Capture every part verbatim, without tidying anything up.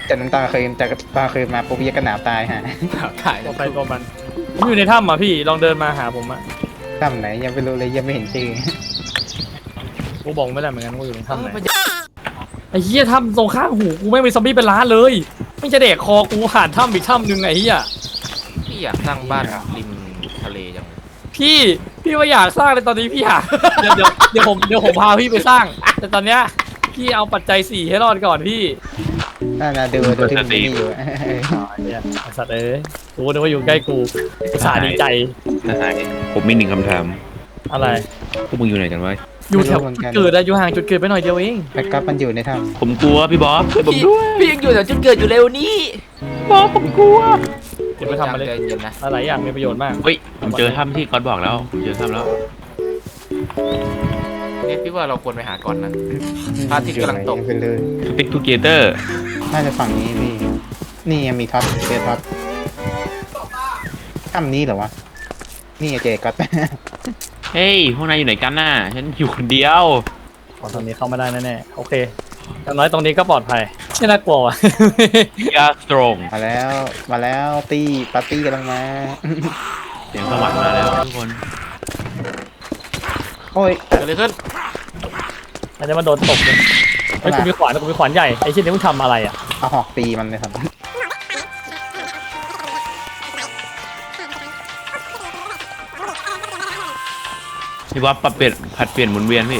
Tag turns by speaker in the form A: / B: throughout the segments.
A: จากน้ำตาเคยจากตาเคยมาปุ๊บยักกระหนาวตายฮะ
B: ถ่าย
C: ตัวไปตัวมันผมอยู่ในถ้ำอ่ะพี่ลองเดินมาหาผมอ่ะ
A: ทำไหนยังไม่รู้เลยยังไม่เห็นชื่อ
C: กูบอกไม่ได้เหมือนกันว่าอยู่ในถ้ำไหนไอ้เหี้ยถ้ำตรงข้างหูกูไม่มีซอมบี้เป็นล้านเลยไม่จะเด็กคอกูผ่านถ้ำอีกถ้ำหนึ่งไอ้เหี้ย
B: พี่อยากสร้างบ้านริมทะเลจัง
C: พี่พี่ว่าอยากสร้างเลยตอนนี้พี่อยากเดี๋ยวเดี๋ยวเดี๋ยวผมเดี๋ยวผมพาพี่ไปสร้าง แต่ตอนเนี้ยพี่เอาปัจจัยสี่ให้รอดก่อนพี่
A: น่าดูดูที่มันมีอยู่
C: อ๋อเนี่ยไอ้สัตว์เอ้ยกูนึกว่าอยู่ใกล้กูอุตส่าห์ดีใจ
D: ทหารผมมีหนึ่งคำถาม
C: อะไร
D: พวกมึงอยู่ไหนกันวะ
C: อยู่แถวจุดเกิดอะอยู่ห่างจุดเกิดไปหน่อยเดียวเอง
A: แล้วก็มันอยู่ในถ้
D: ผมกลัวพี่บอสช่วยผม
B: พี่
D: ด้วย
B: พี่ยังอยู่แถวจุดเกิดอยู่เร็วนี้
D: บอสผมกลัว
C: เดี๋ยวไปทำอะไร
B: ใจเย็นนะ
C: หลายอย่างมีประโยชน์มาก
D: เฮ้ยผมเจอถ้ำที่ก๊อตบอกแล้วผมเจอถ้ำแล้ว
B: เนี่ยพี่ว่าเราควรไปหาก่อนนะ
A: ำ
B: พระอาทิตย์กำลังตก
A: ไปเลย
D: สติ๊กทูเกเตอร์
A: น่าจะฝั่งนี้พี่นี่ยังมีท็อปเจท็อปถ้ำนี้เหรอวะนี่ไงเจก็
D: เฮ้ยพวกนายอยู่ไหนกันน่ะฉันอยู่คนเดียว
C: ขอตรงนี้เข้ามาได้แน่ๆโอเคอย่างน้อยตรงนี้ก็ปลอดภัยไม่น่ากลัวว่ะ
D: ยาสตรง
A: มาแล้วมาแล้วตี้ปาร์ตี้กำลังมา
D: เสียงสวรรค์มาแล้วทุกคน
A: โอ้ย
B: เกิดอะไรขึ้น
C: อันนี้มันโดนตบเลยไอ้ยกูมีขวานกูมีขวานใหญ่ไอ้ชิ้นนี้มึงทำอะไรอ่ะ
A: เอาหอกตีมันเลยครับ
D: พี่บอสปรับเปลี่ยนผัดเปลี่ยนหมุนเวียนพี่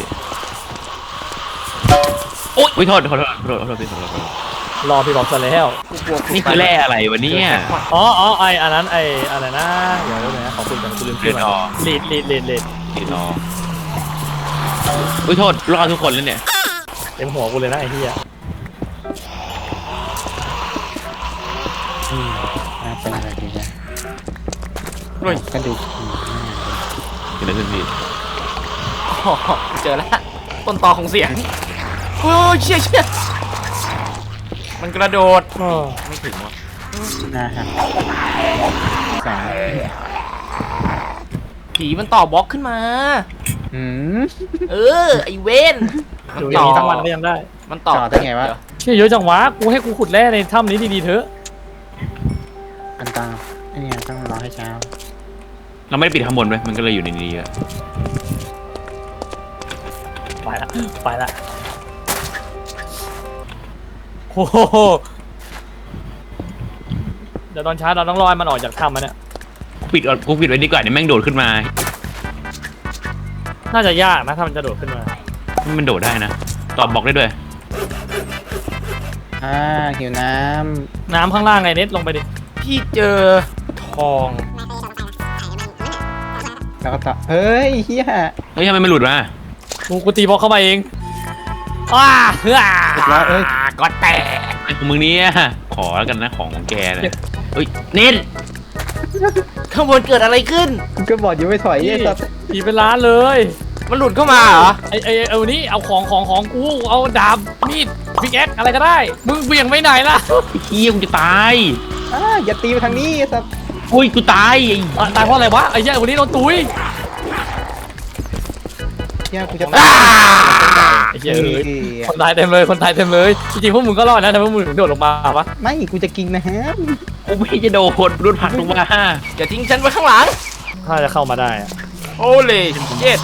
D: โอ๊ยโทษขอโทษขอโทษขอโทษพี่ขอโทษขอโทษ
C: รอพี่บอกซะแล้ว
D: นี่คือแร่อะไรวะเนี่ย
C: อ๋ออ๋อไออันนั้นไออะไรนะเดี๋ยวเดี๋ยวนะขอบคุณกันกูลืมชื่อมันลีดลีดลีดลีด
D: ติดรออุ้ยโทษรอดทุกคนแล้วเนี่ย
C: เต็มหัวกูเลยนะไอ้เหี้ย
A: อืมน่าเป็นอะไรดีนะ
B: เฮ้ย
A: กระดูก
D: เกิดอะไรขึ้นพี่
B: อ๋อเจอแล้วต้นตอของเสียงโอ้ยเชี่ยเชี่ยมันกระโดด
C: อ้อ
B: ไม่ถึงวะ
A: หน้าหักสาม
B: ผีมันต่อบล็อกขึ้นมา
A: อืม
B: เออไอเวนมัน
C: อยู่อ
B: ต่
C: ย่า
B: อง
C: นี้ทั้งวันก็ยังได้
B: มันต่อ
A: จอดได้ไงวะ
B: เดี๋ย
C: เชี่ยเยอะจังวะกูให้กูขุดแร่ในถ้ำนี้ดีๆเถอะ
A: อันตราไอ้เนี่ยต้องรอให้เช้า
D: เราไม่ได้ปิดข้างบนไว้มันก็เลยอยู่ในนี้อะ
C: ไปละไปละโอ้โหเดี๋ยวตอนเช้าเราต้องรอให้มันออกจากถ้ำมันเนี่ย
D: กูปิดก่อนกูปิดไว้ดีกว่าเดี๋ยวแม่งโดดขึ้นมา
C: น่าจะยากนะถ้ามันจะโดดขึ้นมา
D: มันโดดได้นะตอบบอกได้ด้วย
A: อ่าหิวน้
C: น้ำข้างล่างไงเน็ตลงไปดิ
B: พี่เจอทอง
A: ำแล้วก็ต่อเฮ้ยเฮีย
D: เฮ้ยทำไมมันหลุดมา
C: กูกูตีบล็อกเข้าไปเองอ้าเฮ้ย
A: เรียบร้อยเอ้ย
B: ก็แตก
D: ไอ้ของมึงเนี่ยขอแล้วกันนะของของแกนะเฮ้ยเน้น
B: ข้างบนเกิดอะไรขึ้น
A: กูก็บอกอยู่ไม่ถอยไอ้สัส
C: ตีเป็นล้านเลย
B: มันหลุดเข้ามาเหรอ
C: ไอไอเอานี่เอาของของของกูเอาดาบมีดพิกแอคอะไรก็ได้ มึงเบี่ยงไปไหนล่ะ
D: ไอ้เหี้ยกูจะตาย
A: อ่าอย่าตีไปทางนี้ไอ้สัส
D: อุ้ยกูตายไอ้
C: อ่ะตายเพราะอะไรวะไอ้เหี้ยวันนี้โดนตุ้ย
A: เฮียกูจะ
B: อ้า
C: ไอ้เหี้ยเอ้ยคนตายเต็มเลยคนตายเต็มเลยจริงๆพวกมึงก็รอดนะแต่พวกมึงถึงโดดลงมาปะ
A: ไม่กูจะกินนะฮะ
D: กูไม่จะโดดรุดผักลงมา
B: อย่าทิ้งฉันไว้ข้างหลัง
C: ถ้าจะเข้ามาได้อะ
B: โอ้เลยเจ็ด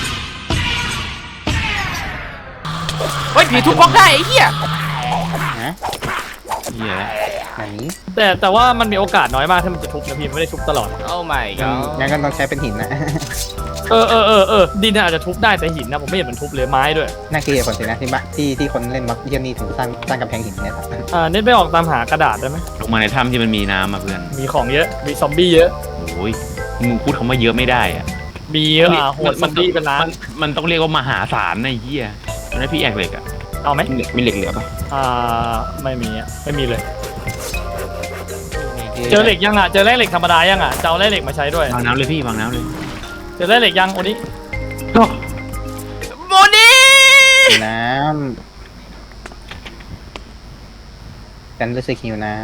B: เฮ้ยผีทุบบล็อกได้ไอ้เหี้ย
A: ฮะ
D: เหี้ย
A: ไหน
C: แต่แต่ว่ามันมีโอกาสน้อยมากที่มันจะทุบนะพี่ไม่ได้ทุบตลอด
B: โอ้ my
A: งั้น
B: god
A: งั้นก็ต้องใช้เป็นหินนะ
C: เออเออเออเออดินน่ะอาจจะทุบได้แต่หินนะผมไม่เห็นมันทุบเลยไม้ด้วย
A: น่าเกลียดคนสินะที่บ้านที่ที่คนเล่นบล็อกเยี่ยนี่ถึงสร้างสร้างกำแพงหินเนี่ยครับ
C: อ่าเน็ตไปออกตามหากระดาษได้ไหม
D: ลงมาในถ้ำที่มันมีน้ำมาเพื่อน
C: มีของเยอะมีซอมบี้เยอะ
D: โอ้ยมึงพูดคำว่าเยอะไม่ได้อะ
C: มีเยอะอ่ะโหดซอมบี้เป็นล้าน
D: มันมันต้องเรียกว่ามหาศาลนะไอ้เหี้ยมันได้พี่แอกเหล็กอะ
C: เอาไหม
D: มีเหล็กมีเหล็กเหลือปะ
C: อ่าไม่มีอ่ะไม่มีเลย เจอเหล็กยังอ่ะเจอแร่เหล็กธรรมดายังอ่ะจะเอาแร่เหล็กมาใช้ด้วย
D: วางน้ำเลยพี่วางน้ำเลย
C: เจอแร่เหล็กยังโอนี้
B: โมนี่
A: หิวน้ำกันรู้สึกหิวน้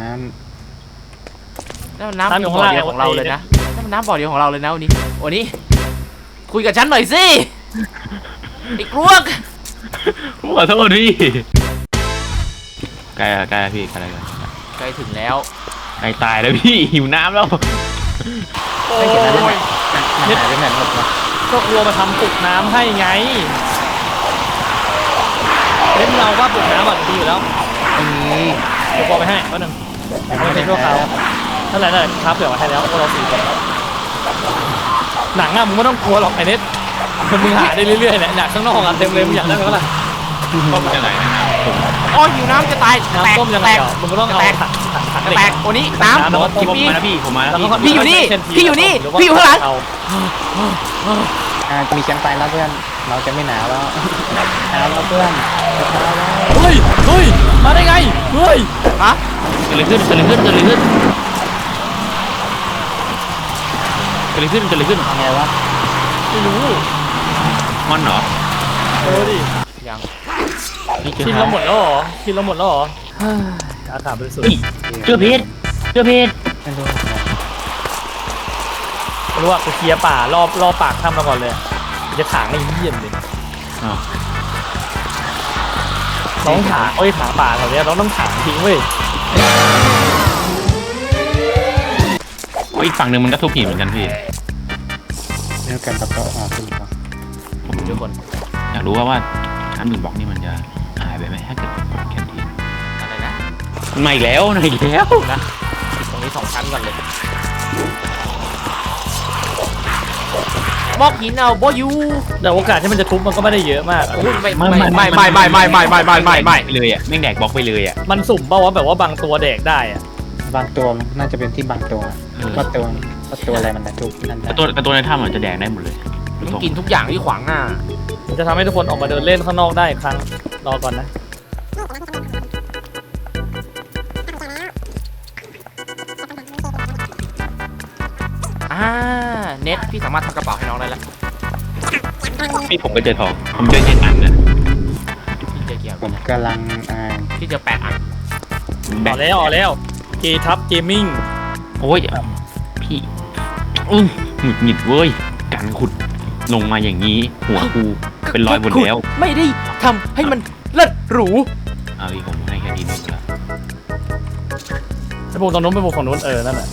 B: นั่นมันน้ำบ่อเดียวของเราเลยนะนั่นมันน้ำบ่อเดียวของเราเลยนะวันนี้วันนี้คุยกับฉันหน่อยสิไอ้กรวก
D: ผมขอโทษพี่ กใกล้ละใกล้ละพี่ใกล้ละ
B: ใกล้ถึงแล้ว
D: ใกล้ตายแล้วพี่หิวน้ำแล้ว
B: โอ้
A: ไม่เห็นแล้ว
B: ย
A: มันหายไปไหนหมดวะ
C: ก็กลัวมาทำปลุกน้ำให้ไงเล่นเราว่าปลุกน้ำแบบดีอยู่แล้ว
A: ไม่มี
C: เดี๋ยวกลัวไปให้ก็หนึ่งไม่เป็นชั่วคราวนั่นแหละนั่นแหละครับเผื่อมาให้แล้วพวกเราสี่คนหนังอะมึงไม่ต้องกลัวหรอกไอ้เน็ตมึงหาได้เรื่อยๆแหละหนังข้างนอกอะเต็มเลยมึงอยากได้ไหมล่ะ
D: ต้มยังไงนะครับผม
B: โอ้ยหิวน้ำจะตายแตก
C: น้ำต้มยังไง
B: แตก
C: เหรอมึงก็ต้องเอา
B: แตก
C: ถังถังถัง
B: จะ
C: เหล็ก
B: แตกโอ้นี้น้ำ
C: น้ำ
B: กิน
D: ผม
B: พี่
D: มาแล้วพี่ผมมาแล้ว
C: แล้วก็
B: พี่อยู่นี่
C: เส้ที
B: พี่อยู่นี่
C: หรืว่
B: พี่อยู่ข้างหลัง
C: เ
A: อ่ามีแคมป์ไฟแล้วเพื่อนเราจะไม่หนาวแล้วหนาวแล้วเพื่อนจะหนาวแล้ว
C: เฮ้ยเฮ้ยมาได้ไงเฮ้ย
B: ฮะ
D: เกิดอะไรขึ้นเกิดอะไรขึ้นเกิดอะไรขึ้นเกิดอะไรขึ้นเกิดอะไรขึ้น
A: ทำไงวะ
C: ไม่รู้
D: มอนเหรอ
C: เออดิ
B: ยัง
D: นี่เจอ
C: กินเราหมดแล้วเหรอกินเราหมดแล้วเหรอเฮ้ยอากาศบริสุทธิ์
D: เฮ้ยเจอเพชรเจอเพชร
A: ไม่รู้
C: ไม่รู้ว่ากูเคลียร์ป่ารอบรอบปากถ้ำเราก่อนเลยกูจะถางไอ้เยี่ยมเลย
D: อ้าว
C: เราต้องถางเอ้ยถางป่าแถวเนี้ยเราต้องถางทิ้งเว้ย
D: โอ้ยอีกฝั่งหนึ่งมันก็ทุบหินเหมือนกันพี่
A: เรื่องการประกอบอ่าคุณครับ
D: ผม
B: ทุกคน
D: อยากรู้ว่าว่าชั้นหนึ่งบล็อกนี่มันจะหายไปไหมถ้าเกิดแคนทีน
B: อะไรนะ
D: มันมาอีกแล้วมาอีกแล้ว
B: นะติดตรงนี้สองชั้นก่อนเลยบอกหินเอาบอยู
C: แต่โอกาสที่มันจะทุบมันก็ไม่ได้เยอะมาก
B: โอ้ยไม่ไม่ไม่ไม่ไม่ไม่ไม่ไม่ไม่ไม่ไม่
D: ไปเลยอ่ะแม่งแดกบล็อกไปเลยอ่ะ
C: มันสุ่มเปล่าวะแบบว่าบางตัวแดกได้อะ
A: บางตัวน่าจะเป็นที่บางตัว
D: เออ
A: ว่าตัวว่าตัวอะไรมันจะทุกนั่น
D: แต่ตัวแต่ตัวในถ้ำมันจะแดกได้หมดเลย
B: ต้องกินทุกอย่างที่ขวางหน้า
C: มันจะทำให้ทุกคนออกมาเดินเล่นข้างนอกได้อีกครั้งรอก่อนนะ
B: อ่าเน็ตพี่สามารถทำกระเป๋าให้น้องได้แล้ว
D: พี่ผมก็เจอทองผมเจอเจ็ดอันนะ
B: พี่เจอเกียร์
A: ผมกำลังอ่า
B: พี่เจอแปดอัน
C: ออกแล้วออกแล้วเกทับเกมมิ่ง
D: โอ้ยพี่อื้อหงุดหงิดเว้ยการขุดลงมาอย่างนี้ หัวกูเป็นรอยหมดแล้ว
B: ไม่ได้ทำให้มันเลิศหรู
D: เอาพี่ผมให้แค่นี้นึงละ
C: ไปปลูกตรงนู้นไปปลูกของนู้นเออนั่นแหละ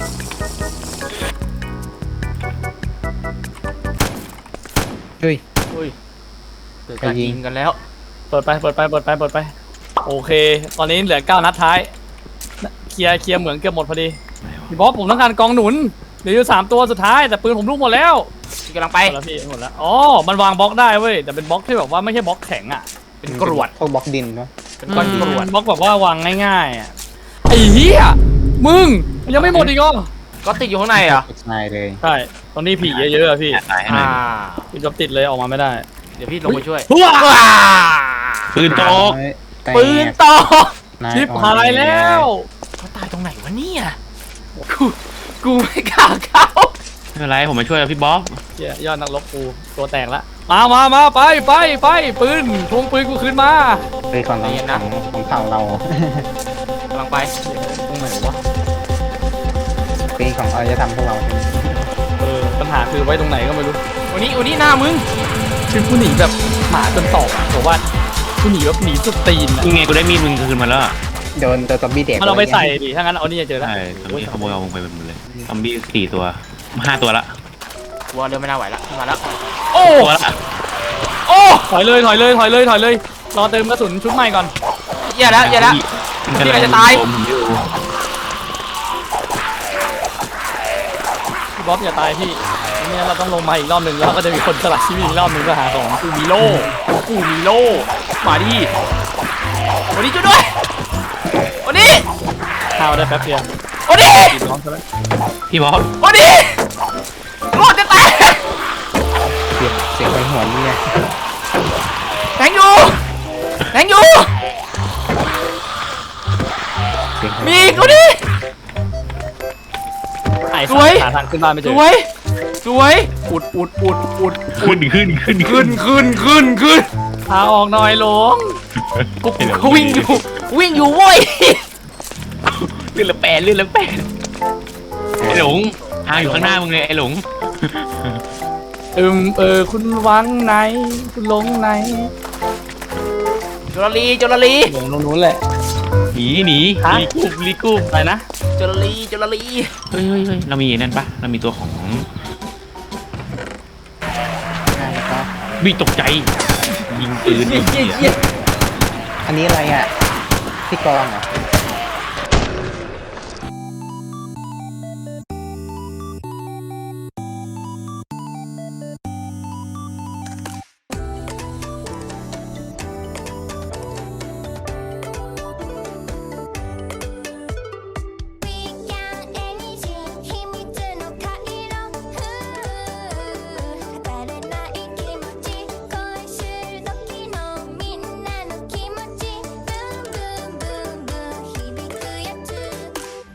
A: เฮ้ย
B: อุ้ยเกิดการยิงกันแล้ว
C: เปิดไปเปิดไปเปิดไปเปิดไปโอเค ตอนนี้เหลือเก้านัดท้ายเคลียร์เคลียร์เหมืองเกือบหมดพอดีพี่บอสผมต้องการกองหนุนเหลืออยู่สามตัวสุดท้ายแต่ปืนผมลูกหมดแล้ว
B: พี่กำลังไป
C: หมดแล้วพี่หมดแล้วอ๋อมันวางบล็อกได้เว้ยแต่เป็นบล็อกที่แบบว่าไม่ใช่บล็อกแข็งอ่ะ
B: เป็นกรวด
A: พวกบล็อกดินวะ
B: เป็นก้อนกรวด
C: บล็อกแบบว่าวางง่ายๆอ่ะไอ้เหี้ยมึงมันยังไม่หมดอีกเหรอ
B: ก็ติดอยู่ข้างในเหรอ่ะ
A: นายเลย
C: ใช่ตรงนี้ผีเยอะๆอะพี่
D: ตายให้หน่
B: อ่า
D: อย
C: พี่จะติดเลยออกมาไม่ได้
B: เดี๋ยวพี่ลงไปช่วย
C: ว้า
B: ว้า
D: ปืนโตก
A: แต่
B: ปืนตก
A: นาย
C: ชิบหายแล้ว
B: เขาตายตรงไหนวะเนี่ยกูกูไม่กล้าเข้า
D: ไม่เป็นไรผมมาช่วยพี่บ๊อบ
C: เหี้ยยอดนักรบกูตัวแตกละมามามาไปไปไปปืนทวงปืนกูคืนมา
A: เฮ้ยของเราของของเผ่าเรา
B: กำลังไป
C: ตรงไหนวะ
A: ปีของอารยธรรมพวกเราเป็น
C: เออปัญหาคือไว้ตรงไหนก็ไม่รู้
B: วันนี้วันนี้หน้ามึง
C: คือกูหนีแบบหมาจนตอกอะบอกว่ากูหนีแบบหนีสุดตีนอะ
D: ยังไงกูได้มีดมึงคืนมาแล้วอะ
A: โดนตัวซอมบี้เด็ก
C: มันเอาไปใส่ดิถ้างั้นเอานี่จะเจอแล้ว
D: ใช่ตอนนี้ขโมยเอามึงไปหมดเลยซอมบี้สี่ตัวห้าตัวละ
B: วัวเดินไม่น่าไหวละมาแล้วโอ้
D: ตัวละ
B: โอ้
C: ถอยเลยถอยเลยถอยเลยถอยเลยรอเติมกระสุนชุดใหม่ก่อน
B: อย่าแล้วอย่าแล้ว
D: มัน
B: พี่
D: กำลัง
B: จะตาย
D: ผมอยู่
C: พี่บ๊อบอย่าตายพี่ไม่งั้นเราต้องลงมาอีกรอบหนึ่งแล้วก็จะมีคนสลัดชีวิตอีกรอบหนึ่งเพื่อหาของ
B: กูมีโล่กูมีโล่มาดิวันนี้ช่วยด้วยวันนี้
C: ข้าวได้แป๊บเดียว
B: วันนี้
C: กินน้องใช่ไหม
D: พี่บ๊อบ
B: วันนี้รถจะแตก
A: เสียงเสียงไปหัวนี่ไง
B: แทงอยู่แทงอยู่
A: เสียง
B: มีอีกวันนี้
C: ไอ้
B: สวย
C: หาทางขึ้นบ้านไม่เจ
B: ส
C: อ
B: วยสวยอุดอุดอุดอุด
D: ขึ้นขึ้นขึ้น
B: ขึ้นขึ้นขึ้นขึ้น
C: พาออกหน่อยหลง
B: กูกูวิ่งอยู่วิ่งอยู่เว้ย
D: เลื่อนละแปดเลื่อนละแปดไอ้หลงทางอยู่ข้างหน้ามึงเลยไอ้หลง
C: อืมเออคุณวังไหนคุณหลงไหน
B: จุลลีจุลลี
C: หลงตรงนู้นแหละ
D: หนีหนี
C: ฮะ
D: รีกูบรีกูบ
C: อะไรนะ
B: จลลีจลลี
D: เฮ้ยเฮ้ยเฮ้ยเรามีนั่นปะเรามีตัวของ
A: ได้แล้วก็
D: วิตกใจยิงปืน
B: เยี่ย
D: ไอ้
B: เยี่ย
D: เหี้ย
B: เยี่ย
A: อันนี้อะไรอ่ะที่กรองเหรอ